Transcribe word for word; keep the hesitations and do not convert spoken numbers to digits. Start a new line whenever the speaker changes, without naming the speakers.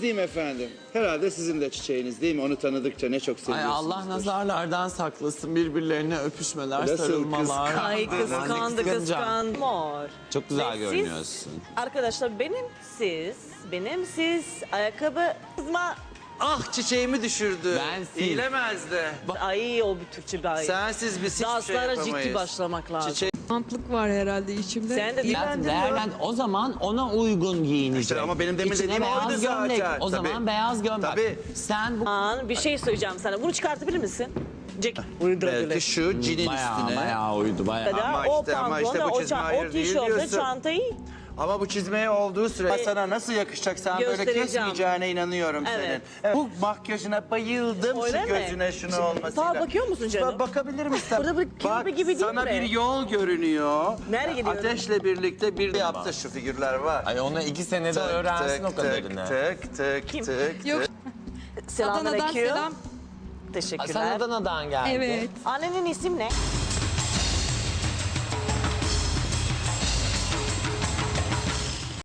diyeyim efendim? Herhalde sizin de çiçeğiniz değil mi? Onu tanıdıkça ne çok
Ay
seviyorsunuz.
Allah nazarlardan saklasın, birbirlerine öpüşmeler,
Nasıl
sarılmalar.
Ay kıskandı kıskandı. Mor.
Çok güzel
Ve siz-
görünüyorsun.
Arkadaşlar benim siz, benim siz ayakkabı kızma.
Ah çiçeğimi düşürdü.
Ben siz.
İyilemezdi.
Ay o bir Türkçe bir ay.
Sensiz biz hiçbir şey
Danslara
yapamayız.
ciddi başlamak lazım.
Çiçek
Mantlık var herhalde içimde.
Sen de
Hayatım değerlen o zaman ona uygun giyinecek.
İşte ama benim demin
İçine
dediğim
beyaz
oydu
gömlek.
zaten.
O zaman
Tabii.
beyaz gömlek.
Tabii.
Sen bu
An bir şey söyleyeceğim sana. Bunu çıkartabilir misin? Jack uydurabilir.
belki şu cinin
bayağı
üstüne.
bayağı uydu bayağı.
Kadar
Ama
o
işte- ama işte
pantolonu,
bu
o,
çizme
ça-
hayır
o
değil
tişörtü,
diyorsun.
çantayı.
Ama bu çizmeye olduğu süre sana nasıl yakışacak? Sen böyle
Göstereceğim.
kesmeyeceğine inanıyorum
Evet.
senin. Evet. Bu makyajına bayıldım.
Öyle
şu
mi?
gözüne şunu olmasıyla.
Sağa bakıyor musun canım?
Ba- Bakabilir misin?
Burada bir kirpi gibi değil
sana
mi?
bir yol görünüyor.
Nereye gidiyorum?
Ateşle birlikte bir yaptı şu figürler var.
Ay onu iki senede öğrensin o kadarını.
Tık tık
Kim?
tık
Yok.
tık.
Adana'dan
Selamünaleyküm.
selam.
Teşekkürler.
Sen Adana'dan geldin.
Evet.
Annenin isim ne?